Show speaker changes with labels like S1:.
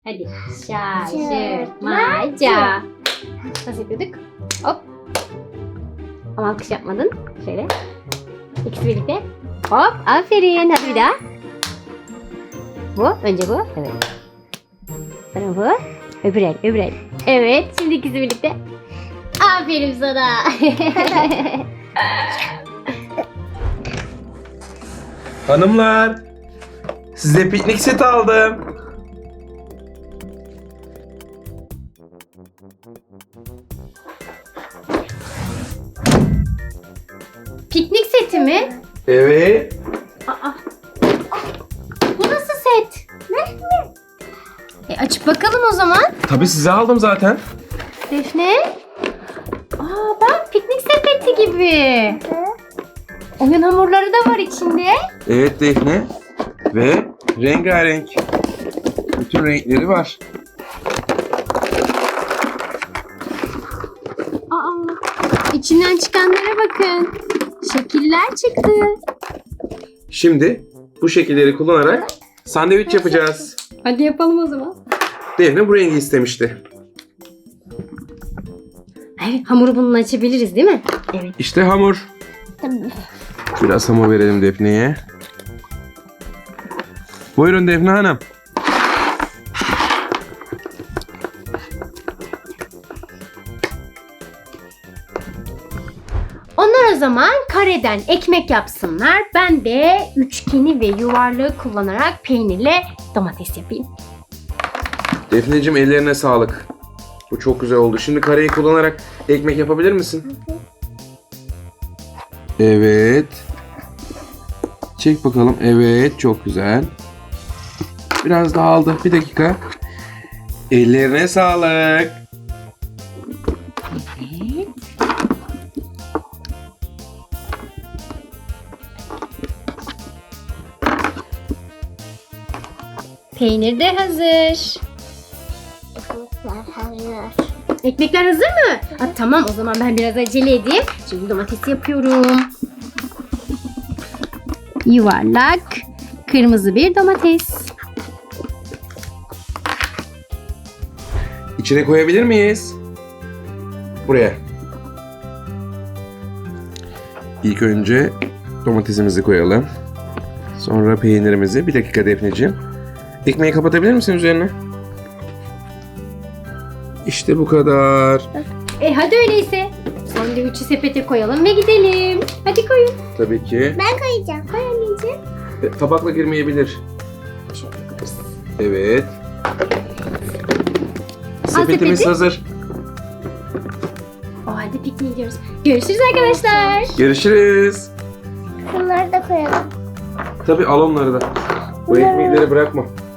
S1: Hadi. Şaşırtmaca. Nasıl yapıyorduk? Hop. Ama alkış yapmadın. Şöyle. İkisi birlikte. Hop. Aferin. Hadi bir daha. Bu. Önce bu. Evet. Sonra bu. Öbür el. Öbür el. Evet. Şimdi ikisi birlikte. Aferin sana.
S2: Hanımlar, size piknik seti aldım.
S1: Piknik seti mi?
S2: Evet.
S1: Aa. Bu nasıl set? Ne? Açıp bakalım o zaman.
S2: Tabii size aldım zaten.
S1: Defne. Bak piknik sepeti gibi. Oyun hamurları da var içinde.
S2: Evet Defne. Ve rengarenk. Bütün renkleri var.
S1: İçinden çıkanlara bakın. Şekiller çıktı.
S2: Şimdi bu şekilleri kullanarak sandviç yapacağız.
S1: Hadi yapalım o zaman.
S2: Defne bu rengi istemişti.
S1: Evet, hamuru bununla açabiliriz değil mi? Evet.
S2: İşte hamur. Biraz hamur verelim Defne'ye. Buyurun Defne Hanım.
S1: Onlar o zaman kareden ekmek yapsınlar. Ben de üçgeni ve yuvarlığı kullanarak peynirle domates yapayım.
S2: Defneciğim ellerine sağlık. Bu çok güzel oldu. Şimdi kareyi kullanarak ekmek yapabilir misin? Evet. Çek bakalım. Evet, çok güzel. Biraz daha aldı. Bir dakika. Ellerine sağlık.
S1: Peynir de hazır. Ekmekler hazır mı? Tamam o zaman ben biraz acele edeyim. Şimdi domates yapıyorum. Yuvarlak, kırmızı bir domates.
S2: İçine koyabilir miyiz? Buraya. İlk önce domatesimizi koyalım. Sonra peynirimizi. Bir dakika Defneciğim. Ekmeği kapatabilir misin üzerine? İşte bu kadar.
S1: Hadi öyleyse. Sandviçi sepete koyalım ve gidelim. Hadi koyun.
S2: Tabii ki.
S3: Ben koyacağım.
S1: Koy anneciğim.
S2: Tabakla girmeyebilir. Evet. Sepetimiz
S1: sepeti.
S2: hazır.
S1: Hadi pikniğe gidiyoruz. Görüşürüz arkadaşlar.
S2: Görüşürüz.
S3: Bunları da koyalım.
S2: Tabii al onları da. Bu ekmekleri bırakma.